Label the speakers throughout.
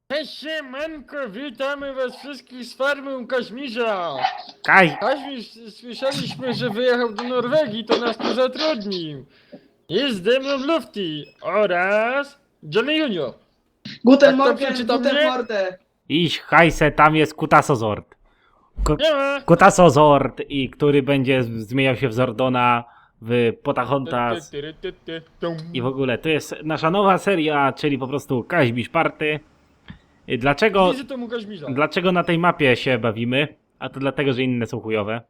Speaker 1: Cześć siemanko, witamy was wszystkich z farmy u Kaźmirza.
Speaker 2: Kaj,
Speaker 1: Kaźmirz, słyszeliśmy, że wyjechał do Norwegii, to nas tu zatrudnił. Jest ze mną Lufty oraz Johnny Junior.
Speaker 3: Guten
Speaker 1: Tak to
Speaker 3: Morgen,
Speaker 1: przeczytam,
Speaker 3: guten
Speaker 1: nie?
Speaker 3: Mordę.
Speaker 2: iść hajse, tam jest Kutasozord.
Speaker 1: Nie ma.
Speaker 2: Kutasozord, i który będzie zmieniał się w Zordona, w Potahontas i w ogóle. To jest nasza nowa seria, czyli po prostu Kaźmisz Party. Dlaczego,
Speaker 1: Wizytą u Kaźmirza.
Speaker 2: dlaczego na tej mapie się bawimy? A to dlatego, że inne są chujowe.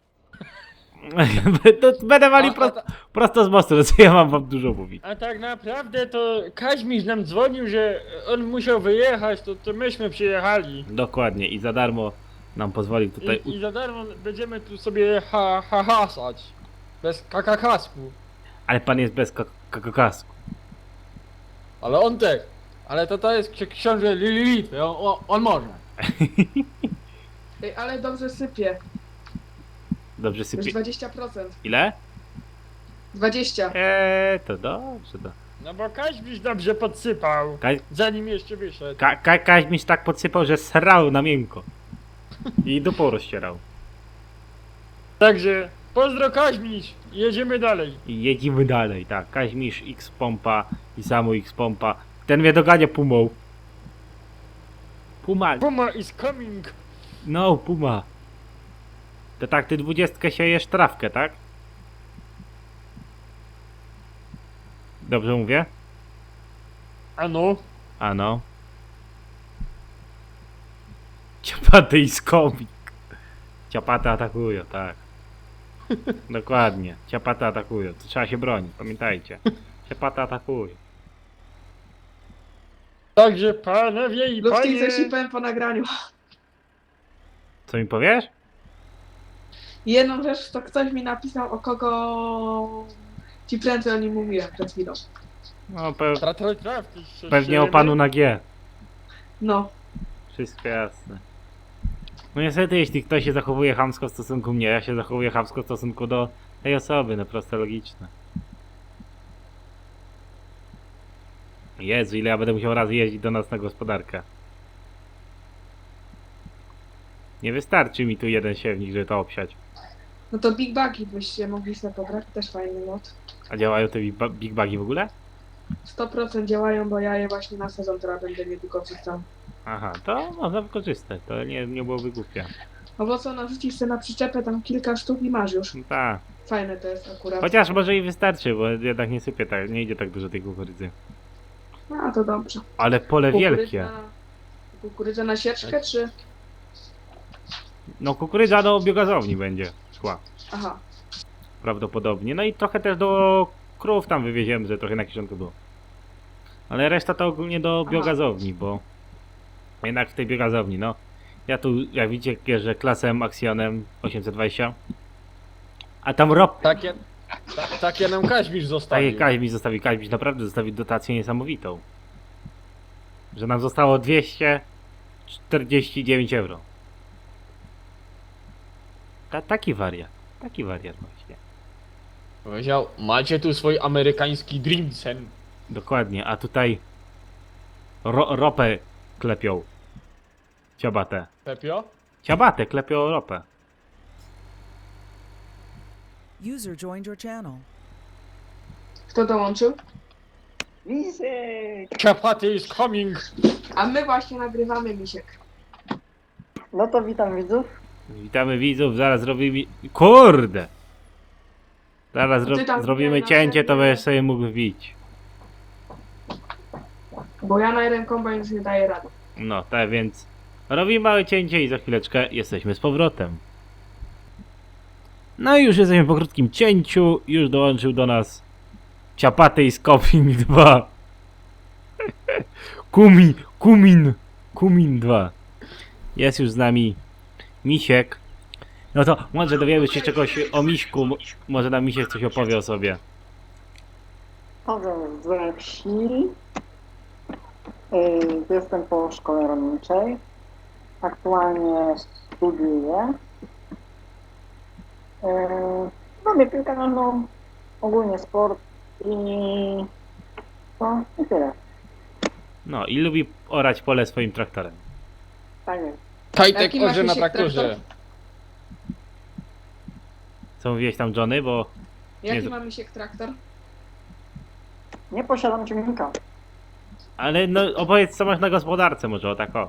Speaker 2: To będę walił prosto z mostu, co ja mam wam dużo mówić.
Speaker 1: A tak naprawdę to Kaźmirz nam dzwonił, że on musiał wyjechać, to myśmy przyjechali.
Speaker 2: Dokładnie, i za darmo nam pozwolił tutaj...
Speaker 1: I za darmo będziemy tu sobie hasać. Bez kakakasku.
Speaker 2: Ale pan jest bez kasku.
Speaker 1: Ale on też. Ale to jest książę Lilith, on może.
Speaker 3: Ej, ale dobrze sypie.
Speaker 2: Dobrze
Speaker 3: Już
Speaker 2: sypie...
Speaker 3: 20%.
Speaker 2: Ile?
Speaker 3: 20.
Speaker 2: To dobrze,
Speaker 1: No bo Kaźmisz dobrze podsypał, zanim jeszcze wyszedł.
Speaker 2: Kaźmiś tak podsypał, że srał na miękko. I dupą rozcierał.
Speaker 1: Także pozdro Kaźmisz, jedziemy dalej.
Speaker 2: I jedziemy dalej, tak. Kaźmisz X pompa i Samu X pompa. Ten mnie dogania Pumą. Puma.
Speaker 1: Puma is coming.
Speaker 2: No, Puma. To tak, ty 20 siejesz trawkę, tak? Dobrze mówię?
Speaker 1: Ano.
Speaker 2: Ano. Ciapaty i skomik. Ciapaty atakują, tak. Dokładnie. Ciapaty atakują. To trzeba się bronić, pamiętajcie. Ciapaty atakują.
Speaker 1: Także panowie i
Speaker 3: Lufty
Speaker 1: panie.
Speaker 3: zasypałem po nagraniu.
Speaker 2: Co mi powiesz?
Speaker 3: Jedną rzecz to ktoś mi napisał, o kogo ci prędzej o nim mówiłem przed chwilą.
Speaker 2: No, pewnie o panu na G.
Speaker 3: No.
Speaker 2: Wszystko jasne. No niestety, jeśli ktoś się zachowuje chamsko w stosunku mnie, ja się zachowuję chamsko w stosunku do tej osoby, no proste, logiczne. Jezu, ile ja będę musiał razy jeździć do nas na gospodarkę. Nie wystarczy mi tu jeden siewnik, żeby to obsiać.
Speaker 3: No to Big Bugi byście mogli sobie pobrać, też fajny mod.
Speaker 2: A działają te big bugi w ogóle?
Speaker 3: 100% działają, bo ja je właśnie na sezon teraz będę niedługo wrzucał.
Speaker 2: Aha, to można wykorzystać, to nie byłoby głupie.
Speaker 3: No bo co, narzucisz sobie na przyczepę tam kilka sztuk i masz już.
Speaker 2: No tak.
Speaker 3: Fajne to jest akurat.
Speaker 2: Chociaż może i wystarczy, bo jednak nie sypie tak, nie idzie tak dużo tej kukurydzy.
Speaker 3: No to dobrze.
Speaker 2: Ale pole wielkie.
Speaker 3: Kukurydza na sieczkę, czy?
Speaker 2: No kukurydza do biogazowni będzie szła.
Speaker 3: Aha.
Speaker 2: Prawdopodobnie. No i trochę też do krów tam wywieziemy, że trochę na kieszonku było. Ale reszta to ogólnie do biogazowni, bo jednak w tej biogazowni, no. Ja tu, jak widzicie, jeżdżę klasem Axionem 820. A tam
Speaker 1: Takie nam Kaźmisz zostawił.
Speaker 2: Takie Kaźmiś naprawdę zostawił dotację niesamowitą. Że nam zostało 249 euro. Taki wariat właśnie.
Speaker 1: Powiedział, macie tu swój amerykański Dreamsen.
Speaker 2: Dokładnie, a tutaj ropę klepią. Ciabatę.
Speaker 1: Pepio?
Speaker 2: Ciabatę klepią ropę.
Speaker 4: User joined your channel.
Speaker 3: Kto dołączył?
Speaker 5: Misiek!
Speaker 1: Chapaty is coming.
Speaker 3: A my właśnie nagrywamy, Misiek.
Speaker 5: No to witam widzów.
Speaker 2: Witamy widzów, zaraz zrobimy... Kurde! Zaraz
Speaker 3: Ty tam
Speaker 2: zrobimy
Speaker 3: wbijaj na
Speaker 2: cięcie, to
Speaker 3: serwer.
Speaker 2: będziesz sobie mógł wbić.
Speaker 3: Bo ja na jeden kombajn już nie daję rady.
Speaker 2: No, tak więc... Robimy małe cięcie i za chwileczkę jesteśmy z powrotem. No i już jesteśmy po krótkim cięciu. Już dołączył do nas Ciapaty i Skoping 2. Kumin 2. Jest już z nami Misiek. No to może dowiemy się czegoś o Miśku. Może nam Misiek coś opowie o sobie.
Speaker 5: Powiem z wsi. Jestem po szkole rolniczej. Aktualnie studiuję. Robię piłkę nożną, ogólnie sport i tyle.
Speaker 2: No i lubi orać pole swoim traktorem.
Speaker 5: Tak jest.
Speaker 1: Kajtek
Speaker 3: Jaki masz
Speaker 1: orze na
Speaker 3: misiek
Speaker 1: traktorze.
Speaker 3: traktor?
Speaker 2: Co mówiłeś tam, Johnny, bo...
Speaker 3: Jaki
Speaker 2: Nie,
Speaker 3: ma misiek traktor?
Speaker 5: Nie posiadam ciągnika.
Speaker 2: Ale no opowiedz co masz na gospodarce może, o tak o.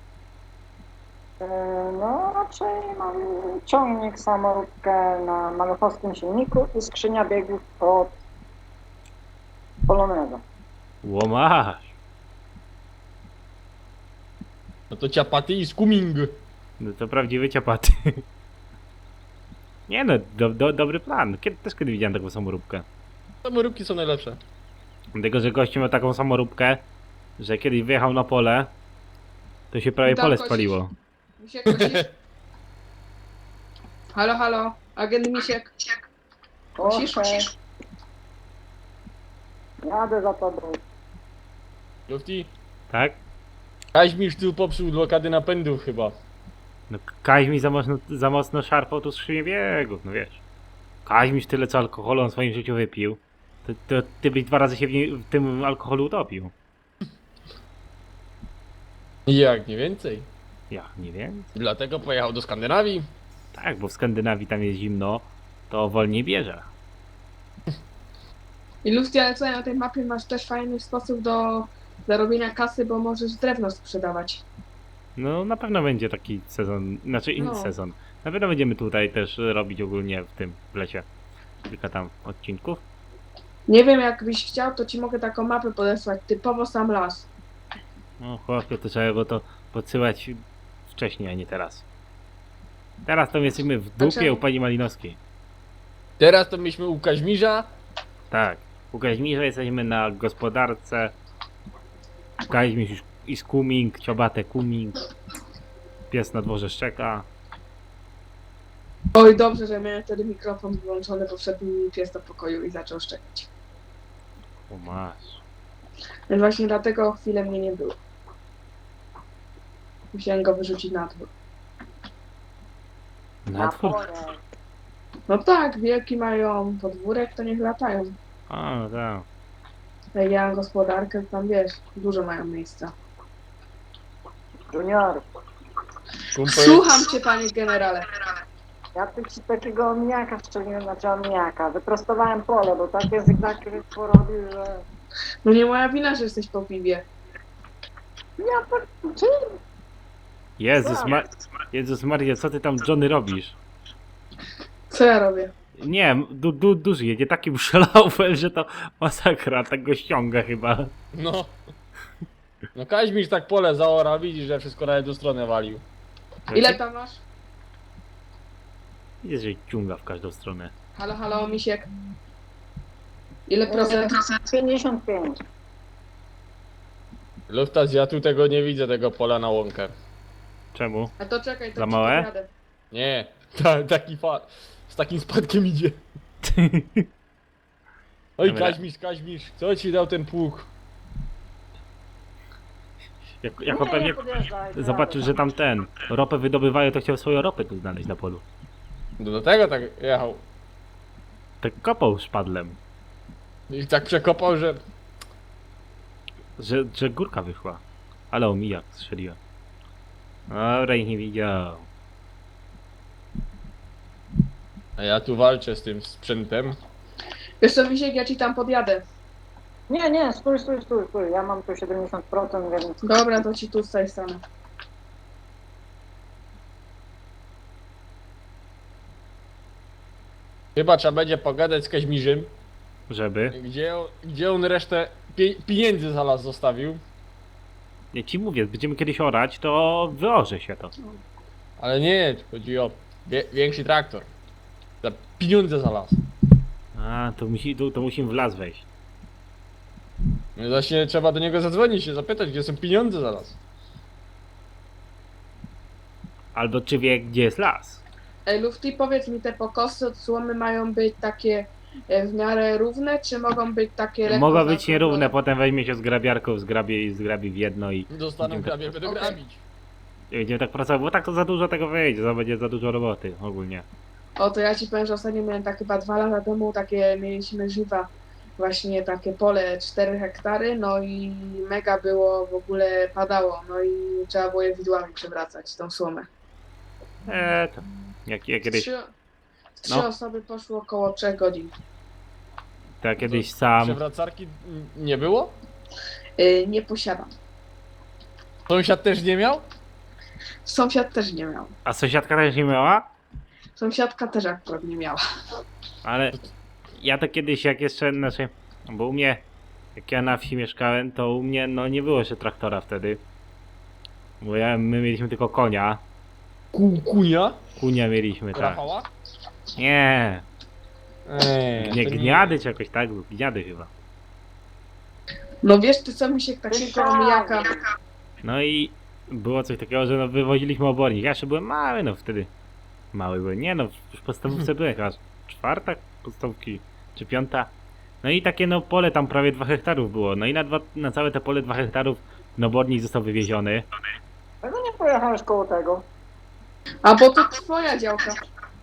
Speaker 5: No raczej mam ciągnik, samoróbkę na maluchowskim silniku i skrzynia biegów od Poloneza.
Speaker 2: Łomasz.
Speaker 1: No to ciapaty i skuming.
Speaker 2: No to prawdziwy ciapaty. Nie no, dobry plan. Kiedy widziałem taką samoróbkę.
Speaker 1: Samoróbki są najlepsze.
Speaker 2: Dlatego, że gościu miał taką samoróbkę, że kiedyś wyjechał na pole, to się prawie
Speaker 3: I tam
Speaker 2: pole
Speaker 3: kosisz.
Speaker 2: spaliło.
Speaker 3: Misiek kosisz? Halo, halo, agent Misiek. Kosisz?
Speaker 5: Proszę, jadę za tobą.
Speaker 1: Lufty?
Speaker 2: Tak?
Speaker 1: Kaźmisz tu popsuł blokady napędów chyba.
Speaker 2: No Kaźmiś za mocno szarpał tu skrzynię biegów, no wiesz. Kaźmiś tyle co alkoholu on w swoim życiu wypił, to ty byś 2 razy się w tym alkoholu utopił.
Speaker 1: Jak nie więcej.
Speaker 2: Ja nie wiem.
Speaker 1: Dlatego pojechał do Skandynawii.
Speaker 2: Tak, bo w Skandynawii tam jest zimno, to wolniej bierze.
Speaker 3: I Lufty, ale tutaj na tej mapie masz też fajny sposób do zarobienia kasy, bo możesz drewno sprzedawać.
Speaker 2: No na pewno będzie taki sezon, znaczy inny
Speaker 3: No.
Speaker 2: sezon. Na pewno będziemy tutaj też robić ogólnie w lecie kilka tam odcinków.
Speaker 3: Nie wiem, jakbyś chciał, to ci mogę taką mapę podesłać, typowo sam las.
Speaker 2: No chłopie, to trzeba było to podsyłać wcześniej, a nie teraz. Teraz to my jesteśmy w dupie
Speaker 3: czemu?
Speaker 2: u pani Malinowskiej.
Speaker 1: Teraz to myśmy u Kaźmirza.
Speaker 2: Tak, u Kaźmirza jesteśmy na gospodarce. Kaźmirz już i skuming, ciobate kuming. Pies na dworze szczeka.
Speaker 3: Oj, dobrze, że miałem wtedy mikrofon wyłączony, bo wszedł mi pies do pokoju i zaczął szczekać.
Speaker 2: O masz.
Speaker 3: Więc właśnie dlatego chwilę mnie nie było. Musiałem go wyrzucić na dwór.
Speaker 2: Na dwór.
Speaker 5: porę.
Speaker 3: No tak, wielki mają podwórek, to niech latają.
Speaker 2: A, no tak.
Speaker 3: Jak ja mam gospodarkę, to tam wiesz, dużo mają miejsca.
Speaker 5: Junior,
Speaker 1: Kumpel.
Speaker 3: Słucham cię, panie generale.
Speaker 5: ja tu ci takiego omijaka strzeliłem, znaczy omijaka. Wyprostowałem pole, bo takie zygzaki porobił, że...
Speaker 3: No nie moja wina, że jesteś po piwie.
Speaker 5: Ja per... Czym?
Speaker 2: Jezus Maria, co ty tam, Johnny, robisz?
Speaker 3: Co ja robię?
Speaker 2: Nie, duży jedzie takim szlaufem, że to masakra, tak go ściąga chyba.
Speaker 1: No. No Kaźmirz tak pole zaorał, widzisz, że wszystko na jedną stronę walił.
Speaker 3: Ile tam masz?
Speaker 2: Jest, że ciąga w każdą stronę.
Speaker 3: Halo, halo, misiek. Ile procent?
Speaker 5: 55.
Speaker 1: Luftas, ja tu tego nie widzę, tego pola na łąkę.
Speaker 2: Czemu?
Speaker 3: A to czekaj, to
Speaker 2: Za
Speaker 3: ci
Speaker 2: małe?
Speaker 3: podjadę.
Speaker 1: Nie, z takim spadkiem idzie. Oj,
Speaker 2: Dobra.
Speaker 1: Kaźmirz, co ci dał ten pług?
Speaker 2: Jako pewnie zobaczył, że tam ropę wydobywają, to chciał swoją ropę tu znaleźć na polu.
Speaker 1: Do tego tak jechał.
Speaker 2: Tak kopał szpadlem,
Speaker 1: I tak przekopał, że...
Speaker 2: że górka wyszła. Ale omijak strzeliłem. Dobra, ich nie widział.
Speaker 1: A ja tu walczę z tym sprzętem.
Speaker 3: Wiesz co, misiek, ja ci tam podjadę.
Speaker 5: Nie, stój. Ja mam tu 70%, więc...
Speaker 3: Dobra, to ci tu z tej strony.
Speaker 1: Chyba trzeba będzie pogadać z Kaźmirzem,
Speaker 2: Żeby.
Speaker 1: gdzie on resztę pieniędzy za las zostawił.
Speaker 2: Nie ci mówię, będziemy kiedyś orać, to wyorze się to.
Speaker 1: Ale nie, chodzi o większy traktor. Za pieniądze za las.
Speaker 2: A, to musimy w las wejść.
Speaker 1: No właśnie trzeba do niego zadzwonić się zapytać, gdzie są pieniądze za las.
Speaker 2: Albo czy wie, gdzie jest las.
Speaker 3: Ej, Lufty, powiedz mi, te pokosy od słomy mają być takie w miarę równe, czy mogą być takie lekko
Speaker 2: Mogą być
Speaker 3: zaokrąglone?
Speaker 2: nierówne, potem weźmie się z grabiarką, zgrabi w jedno i
Speaker 1: Dostaną
Speaker 2: Będziemy
Speaker 1: grabie, będą
Speaker 3: Okej.
Speaker 1: grabić.
Speaker 2: będziemy tak pracować, bo tak to za dużo tego wyjdzie, to będzie za dużo roboty ogólnie.
Speaker 3: O, to ja ci powiem, że ostatnio miałem tak chyba 2 lata temu, takie mieliśmy żywa właśnie takie pole 4 hektary, no i mega było, w ogóle padało, no i trzeba było je widłami przewracać, tą słomę.
Speaker 2: To jak kiedyś,
Speaker 3: Trzy
Speaker 2: No.
Speaker 3: osoby poszło około 3 godzin.
Speaker 2: to ja kiedyś sam,
Speaker 1: Przewracarki nie było?
Speaker 3: Nie posiadam.
Speaker 1: Sąsiad też nie miał?
Speaker 3: Sąsiad też nie miał.
Speaker 2: a sąsiadka też nie miała?
Speaker 3: Sąsiadka też akurat nie miała.
Speaker 2: Ale ja to kiedyś jak jeszcze, znaczy, bo u mnie, jak ja na wsi mieszkałem, to u mnie no nie było jeszcze traktora wtedy. Bo my mieliśmy tylko konia.
Speaker 1: Kunia?
Speaker 2: Kunia mieliśmy, tak.
Speaker 1: Rafała?
Speaker 2: Nie,
Speaker 1: Nie, to
Speaker 2: gniady czy jakoś tak, gniady chyba.
Speaker 3: No wiesz ty co mi się takiego omijaka...
Speaker 2: No i było coś takiego, że no wywoziliśmy obornik. Ja jeszcze byłem mały, no wtedy. Mały byłem. Nie no, już w podstawówce byłem chyba czwarta podstawówki, czy piąta. No i takie no pole tam prawie 2 hektarów było. No i na całe te pole 2 hektarów no obornik został wywieziony.
Speaker 5: Dlaczego nie pojechałeś koło tego?
Speaker 3: A bo to twoja działka.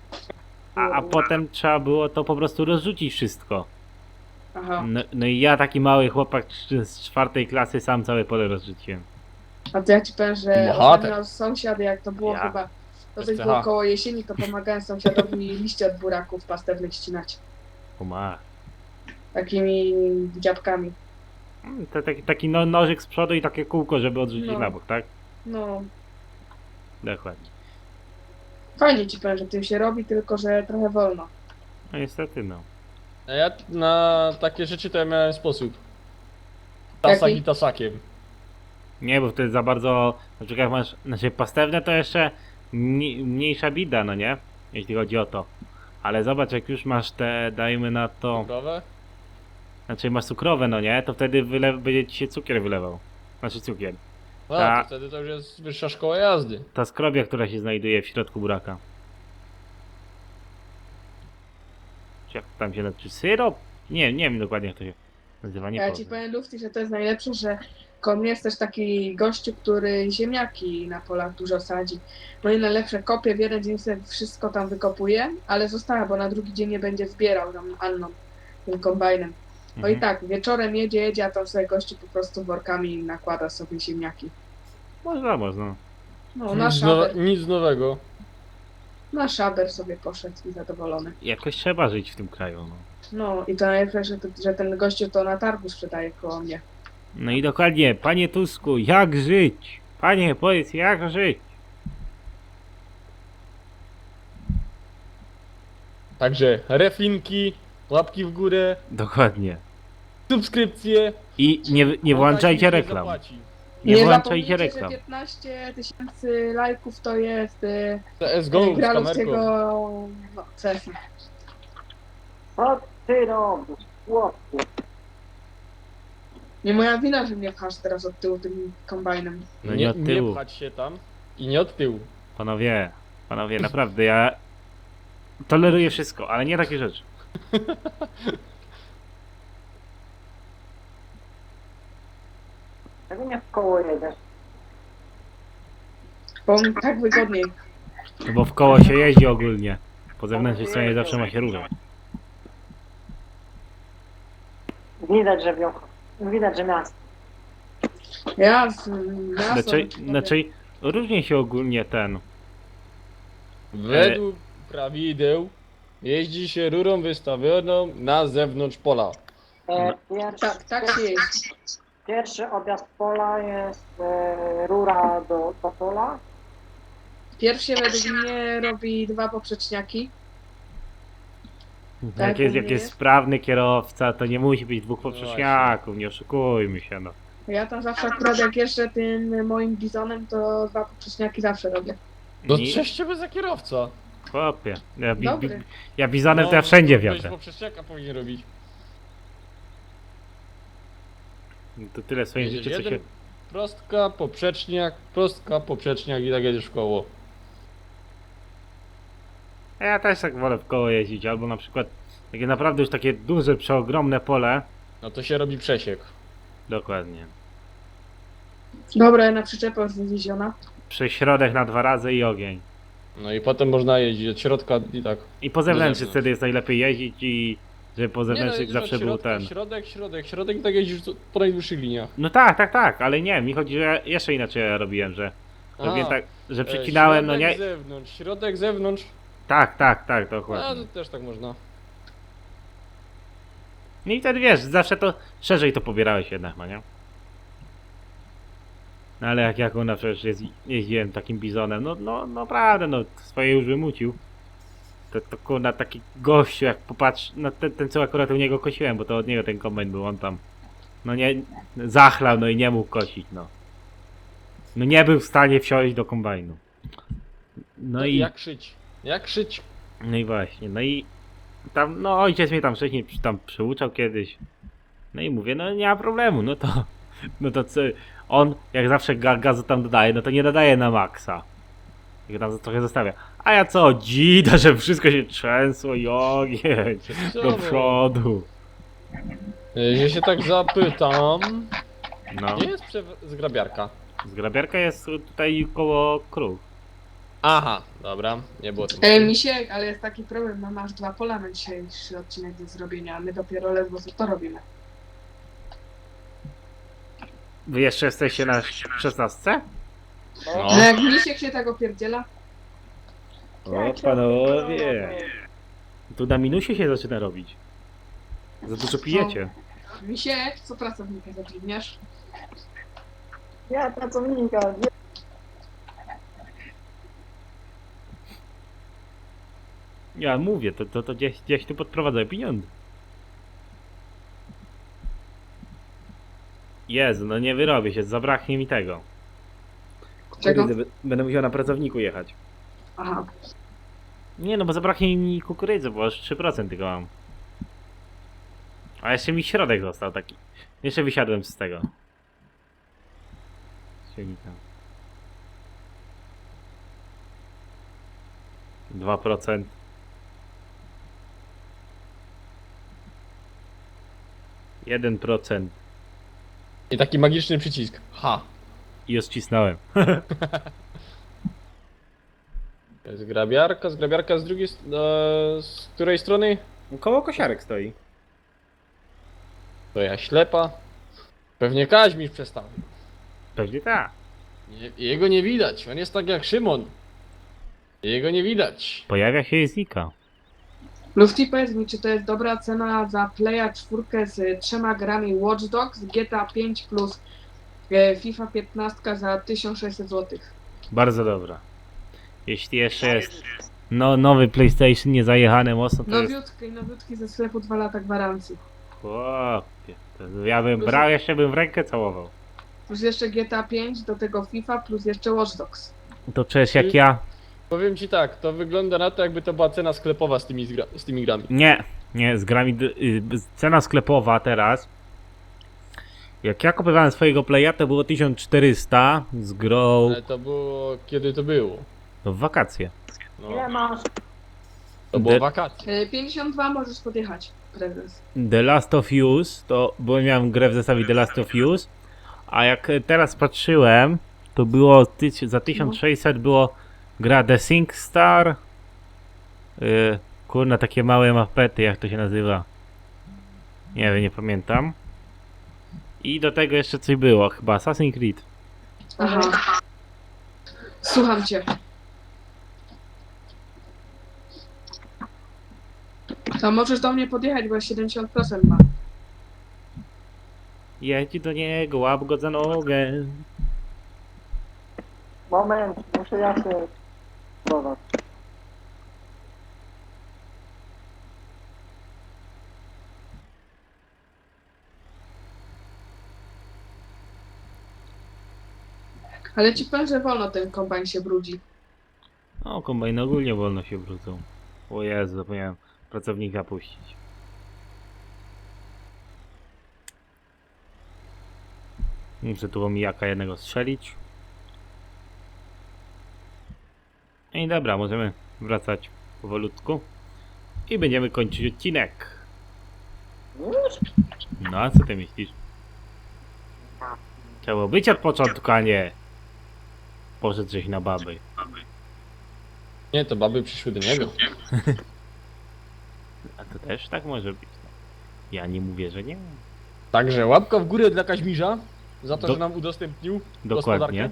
Speaker 2: A potem trzeba było to po prostu rozrzucić wszystko.
Speaker 3: Aha.
Speaker 2: No i ja taki mały chłopak z 4 klasy sam całe pole rozrzuciłem.
Speaker 3: A to ja ci powiem, że
Speaker 1: Bohater.
Speaker 3: ostatnio sąsiad, jak to było
Speaker 2: Ja.
Speaker 3: chyba, to coś
Speaker 1: STH.
Speaker 3: było koło jesieni, to pomagałem sąsiadowi liście od buraków pastewnych ścinać.
Speaker 2: O ma.
Speaker 3: Takimi dziabkami.
Speaker 2: To taki no, nożyk z przodu i takie kółko, żeby odrzucić
Speaker 3: No.
Speaker 2: na bok, tak?
Speaker 3: No,
Speaker 2: Dokładnie.
Speaker 3: fajnie ci powiem, że tym się robi, tylko że trochę wolno.
Speaker 2: No niestety no.
Speaker 1: A ja na takie rzeczy to ja miałem sposób. Tasak
Speaker 3: Jaki?
Speaker 1: i tasakiem.
Speaker 2: Nie, bo wtedy za bardzo, na przykład jak masz, znaczy pastewne to jeszcze mniejsza bida, no nie? Jeśli chodzi o to. Ale zobacz, jak już masz te, dajmy na to,
Speaker 1: Cukrowe?
Speaker 2: znaczy masz cukrowe, no nie? To wtedy będzie ci się cukier wylewał. Znaczy cukier.
Speaker 1: No,
Speaker 2: Ta-
Speaker 1: to wtedy to już jest wyższa szkoła jazdy.
Speaker 2: Ta skrobia, która się znajduje w środku buraka. Czy jak tam się nazywa? Syrop? Nie wiem dokładnie jak to się nazywa, nie
Speaker 3: Ja ci
Speaker 2: powiem.
Speaker 3: powiem, Lufty, że to jest najlepsze, że koło mnie jest też taki gościu, który ziemniaki na polach dużo sadzi. No i najlepsze kopie, w jeden dzień sobie wszystko tam wykopuje, ale została, bo na drugi dzień nie będzie zbierał tam Anną, tym kombajnem. No i
Speaker 2: Mhm.
Speaker 3: tak, wieczorem jedzie, a tam sobie gościu po prostu workami nakłada sobie ziemniaki.
Speaker 2: Można.
Speaker 3: No,
Speaker 1: Nic nowego.
Speaker 3: na szaber sobie poszedł i zadowolony.
Speaker 2: Jakoś trzeba żyć w tym kraju, no.
Speaker 3: No i to najlepsze, że ten gościu to na targu sprzedaje koło mnie.
Speaker 2: No i dokładnie, panie Tusku, jak żyć? Panie, powiedz, jak żyć?
Speaker 1: Także reflinki, łapki w górę,
Speaker 2: Dokładnie.
Speaker 1: subskrypcje.
Speaker 2: I nie włączajcie
Speaker 1: Taki
Speaker 2: reklam.
Speaker 1: zapłaci.
Speaker 2: Nie włączajcie
Speaker 3: zapomnijcie,
Speaker 2: reklam.
Speaker 3: że 15 000 lajków to jest
Speaker 1: CSGO z
Speaker 3: gra
Speaker 1: kamerką.
Speaker 3: ludzkiego no, CS.
Speaker 5: Co ty robisz, chłopcu?
Speaker 3: Nie moja wina, że mnie pchasz teraz od tyłu tym kombajnem.
Speaker 2: No nie od tyłu.
Speaker 1: Nie pchać się tam i nie od tyłu.
Speaker 2: Panowie, naprawdę, ja toleruję wszystko, ale nie takie rzeczy.
Speaker 5: Czego nie w koło jedziesz?
Speaker 3: Bo mi tak wygodniej.
Speaker 2: No bo w koło się jeździ ogólnie. Po zewnętrznej stronie zawsze ma się różą.
Speaker 5: Widać, że miasto.
Speaker 3: Ja z
Speaker 2: Znaczy, różnie się ogólnie ten.
Speaker 1: Według prawideł jeździ się rurą wystawioną na zewnątrz pola.
Speaker 3: tak się jest.
Speaker 5: Pierwszy objazd pola jest rura do pola.
Speaker 3: Pierwszy według mnie robi 2 poprzeczniaki.
Speaker 2: Jak jest,
Speaker 3: u mnie jest.
Speaker 2: sprawny kierowca, to nie musi być 2 poprzeczniaków, nie oszukujmy się, no.
Speaker 3: Ja tam zawsze akurat jak jeżdżę tym moim bizonem, to 2 poprzeczniaki zawsze robię.
Speaker 1: No
Speaker 2: Nie-
Speaker 1: cześć ciebie za kierowca.
Speaker 2: Chłopie,
Speaker 3: Dobry.
Speaker 2: ja bizonem to ja wszędzie wiozę.
Speaker 1: Poprzeczniaka powinien robić.
Speaker 2: To tyle w swoim
Speaker 1: Jedziesz
Speaker 2: życiu, co się...
Speaker 1: jeden prostka, poprzeczniak i tak jedziesz w koło.
Speaker 2: Ja też tak wolę w koło jeździć, albo na przykład takie naprawdę już takie duże, przeogromne pole.
Speaker 1: No to się robi przesiek.
Speaker 2: Dokładnie.
Speaker 3: Dobra, na przyczepę już wywieziona.
Speaker 2: Prześrodek na 2 razy i ogień.
Speaker 1: No i potem można jeździć od środka i tak.
Speaker 2: I po zewnętrznej
Speaker 1: zewnątrz.
Speaker 2: wtedy jest najlepiej jeździć i Żeby po zewnętrznych zawsze był ten.
Speaker 1: Środek tak jeździsz po najdłuższych liniach.
Speaker 2: No tak, ale nie, mi chodzi, że jeszcze inaczej ja robiłem, że robiłem tak, że przecinałem, no nie.
Speaker 1: Środek, zewnątrz.
Speaker 2: Tak,
Speaker 1: A,
Speaker 2: dokładnie.
Speaker 1: to też tak można.
Speaker 2: No i wtedy wiesz, zawsze to szerzej to pobierałeś jednak, no nie? No ale jak ona przecież jeździłem takim bizonem, no naprawdę, no swoje już wymucił. To kurna taki gościu, jak popatrz, no ten co akurat u niego kosiłem, bo to od niego ten kombajn był, on tam, no nie, zachlał, no i nie mógł kosić, no. No nie był w stanie wsiąść do kombajnu. No i,
Speaker 1: Jak szyć? Jak szyć?
Speaker 2: no i właśnie, no i tam, no ojciec mnie tam wcześniej tam przyuczał kiedyś. No i mówię, no nie ma problemu, no to co, on jak zawsze gazu tam dodaje, no to nie dodaje na maksa. Tylko tam trochę zostawia. A ja co, dzida, że wszystko się trzęsło i ogień do przodu.
Speaker 1: Jeśli się tak zapytam...
Speaker 2: No,
Speaker 1: Gdzie jest zgrabiarka?
Speaker 2: zgrabiarka jest tutaj koło krów.
Speaker 1: Aha, dobra, nie było tym.
Speaker 3: Misiek, ale jest taki problem, no masz 2 pola na dzisiejszy odcinek do zrobienia, a my dopiero ledwo co to robimy.
Speaker 2: Wy jeszcze jesteście na 16?
Speaker 1: No.
Speaker 3: No jak Misiek się tak opierdziela,
Speaker 2: O panowie. Tu na minusie się zaczyna robić. Za dużo pijecie.
Speaker 3: Misiek, co pracownika zatrudniasz?
Speaker 5: Ja pracownika, nie.
Speaker 2: Ja mówię, to gdzieś tu podprowadzają pieniądze. Jezu, no nie wyrobię się, zabraknie mi tego.
Speaker 3: Czego?
Speaker 2: Będę musiał na pracowniku jechać.
Speaker 3: Aha.
Speaker 2: Nie no, bo zabraknie mi kukurydzy, bo aż 3% tylko mam. A jeszcze mi środek został taki. Jeszcze wysiadłem z tego. Silnika. 2%. Jeden procent.
Speaker 1: I taki magiczny przycisk. Ha.
Speaker 2: I już cisnąłem.
Speaker 1: Zgrabiarka z drugiej z której strony?
Speaker 2: Koło kosiarek stoi.
Speaker 1: To ja ślepa. Pewnie Kaźmisz przestawił.
Speaker 2: Pewnie tak.
Speaker 1: Jego nie widać, on jest tak jak Szymon. Jego nie widać.
Speaker 2: Pojawia się i znika.
Speaker 3: Lufty, powiedz mi, czy to jest dobra cena za Playa 4 z 3 grami Watch Dogs, GTA 5 plus FIFA 15 za 1600 zł?
Speaker 2: Bardzo dobra. Jeśli jeszcze jest nowy PlayStation niezajechany mocno, to jest...
Speaker 3: Nowiutki ze sklepu 2 lata gwarancji.
Speaker 2: Chłopie, to ja bym brał, jeszcze bym w rękę całował.
Speaker 3: Plus jeszcze GTA 5, do tego FIFA, plus jeszcze Watch Dogs.
Speaker 2: To przecież jak ja...
Speaker 1: Powiem ci tak, to wygląda na to, jakby to była cena sklepowa z tymi grami.
Speaker 2: Nie, z grami... Cena sklepowa teraz... Jak ja kupowałem swojego Playa, to było 1400 z grą...
Speaker 1: Ale to było... kiedy to było?
Speaker 2: No, w wakacje.
Speaker 1: No,
Speaker 5: Ile masz?
Speaker 1: to było
Speaker 2: De-
Speaker 1: wakacje.
Speaker 3: 52 możesz podjechać, prezes.
Speaker 2: The Last of Us, to... Bo miałem grę w zestawie The Last of Us. A jak teraz patrzyłem, to było... Za 1600 było... Gra The SingStar. Kurna, takie małe mapety, jak to się nazywa. Nie wiem, nie pamiętam. I do tego jeszcze coś było, chyba Assassin's Creed.
Speaker 3: Aha. Słucham cię. To możesz do mnie podjechać, bo 70% ma.
Speaker 2: Jedź do niego, łap go za nogę.
Speaker 5: Moment, muszę ja się spróbować.
Speaker 3: Ale ci powiem, że wolno ten kombajn się brudzi.
Speaker 2: O, kombajny ogólnie wolno się wrócą. O Jezu, zapomniałem pracownika puścić. Muszę tu omijaka jednego strzelić. I dobra, możemy wracać powolutku. I będziemy kończyć odcinek. No a co ty myślisz? Trzeba być od początku, a nie poszedł żeś na baby.
Speaker 1: Nie, to baby przyszły do niego.
Speaker 2: A to też tak może być. Ja nie mówię, że nie.
Speaker 1: Także łapka w górę dla Kaźmirza za to,
Speaker 2: Do-
Speaker 1: że nam udostępnił
Speaker 2: Dokładnie.
Speaker 1: gospodarkę.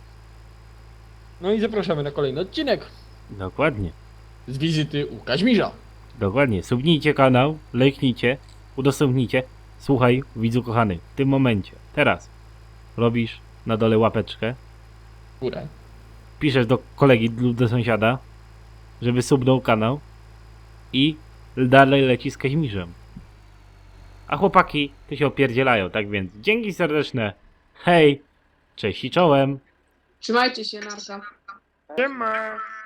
Speaker 1: No i zapraszamy na kolejny odcinek
Speaker 2: Dokładnie.
Speaker 1: z wizyty u Kaźmirza.
Speaker 2: Dokładnie. Subnijcie kanał, lajknijcie, udostępnijcie. Słuchaj, widzu kochany, w tym momencie, teraz robisz na dole łapeczkę,
Speaker 1: W górę.
Speaker 2: piszesz do kolegi lub do sąsiada, żeby subnął kanał i dalej leci z Kaźmirzem. A chłopaki to się opierdzielają, tak więc dzięki serdeczne. Hej, cześć i czołem.
Speaker 3: Trzymajcie się, narka.
Speaker 1: Siema.